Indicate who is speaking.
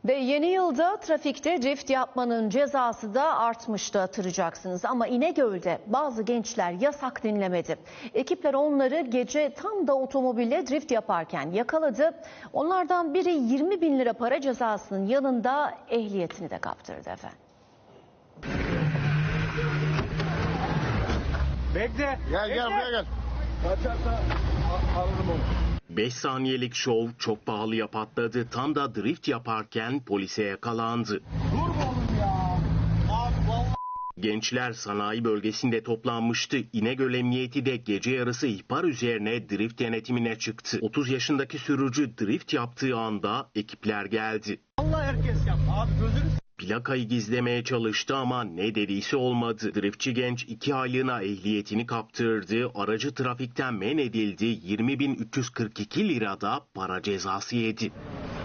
Speaker 1: Ve yeni yılda trafikte drift yapmanın cezası da artmıştı, hatırlayacaksınız. Ama İnegöl'de bazı gençler yasak dinlemedi. Ekipler onları gece tam da otomobille drift yaparken yakaladı. Onlardan biri 20 bin lira para cezasının yanında ehliyetini de kaptırdı efendim.
Speaker 2: Bekle.
Speaker 3: Gel buraya gel.
Speaker 2: Kaçarsa alırım onu.
Speaker 4: 5 saniyelik şov çok pahalıya patladı. Tam da drift yaparken polise yakalandı.
Speaker 2: Dur oğlum ya. Abi vallahi.
Speaker 4: Gençler sanayi bölgesinde toplanmıştı. İnegöl Emniyeti de gece yarısı ihbar üzerine drift denetimine çıktı. 30 yaşındaki sürücü drift yaptığı anda ekipler geldi.
Speaker 2: Allah herkes yaptı. Abi gözünü.
Speaker 4: Plakayı gizlemeye çalıştı ama ne dediyse olmadı. Driftçi genç 2 aylığına ehliyetini kaptırdı. Aracı trafikten men edildi. 20.342 lirada para cezası yedi.